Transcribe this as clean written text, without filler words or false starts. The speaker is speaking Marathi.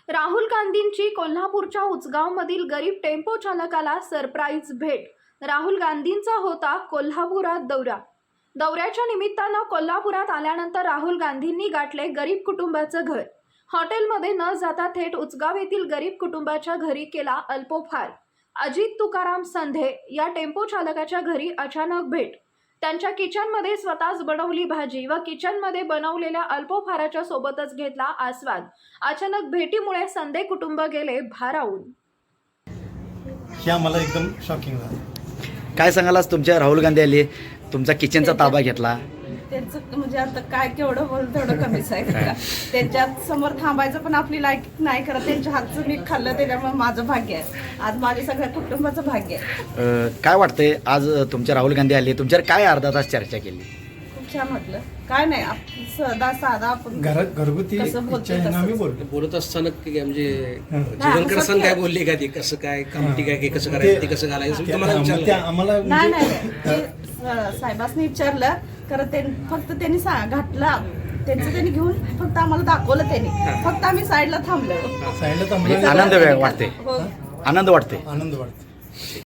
राहुल गांधींची कोल्हापूरच्या उचगावमधील गरीब टेम्पो चालकाला सरप्राईज भेट। राहुल गांधींचा होता कोल्हापुरात दौऱ्याच्या निमित्तानं कोल्हापुरात आल्यानंतर राहुल गांधींनी गाठले गरीब कुटुंबाचं घर। हॉटेलमध्ये न जाता थेट उचगाव येथील गरीब कुटुंबाच्या घरी केला अल्पोपहार। अजित तुकाराम संधे या टेम्पो चालकाच्या घरी अचानक भेट। त्यांच्या किचनमध्ये स्वतःच बनवली भाजी व किचनमध्ये बनवलेल्या अल्पोपहाराच्या सोबतच घेतला आस्वाद। अचानक भेटीमुळे संधे कुटुंब गेले भारावून। हे आम्हाला एकदम शॉकिंग झालं। काय सांगाल, आज तुमच्या राहुल गांधी आले, तुमचा किचनचा ताबा घेतला, त्यांचं म्हणजे आता काय केवढं बोल तेवढं कमीच आहे का? त्यांच्या समोर थांबायचं पण आपली लायक नाही करत। त्यांच्या हातचं मी खाल्लं त्याच्यामुळे माझं भाग्य आहे, आज माझ्या सगळ्या कुटुंबाचं भाग्य आहे। काय वाटतंय आज तुमच्या राहुल गांधी आले, तुमच्यावर काय अर्धा तास चर्चा केली? खूप छान वाटलं। काय नाही, साधा आपण घरगुती कसं बोलतो इच्छा आहे ना, आम्ही बोलतो बोलत असताना की म्हणजे जीवनकर सण काय बोलले का ती कसं काय कामटी काय की कसं करायचं ते कसं घालायचं तुम्हाला विचारलं? आम्हाला नाही नाही ते साहेबांनी विचारलं खरं, फक्त त्यांनी घातला त्यांचं त्यांनी घेऊन फक्त आम्हाला दाखवलं त्यांनी, फक्त आम्ही साईडला थांबलो। साईडला आनंद वाटते, हो आनंद वाटते, आनंद वाटतो।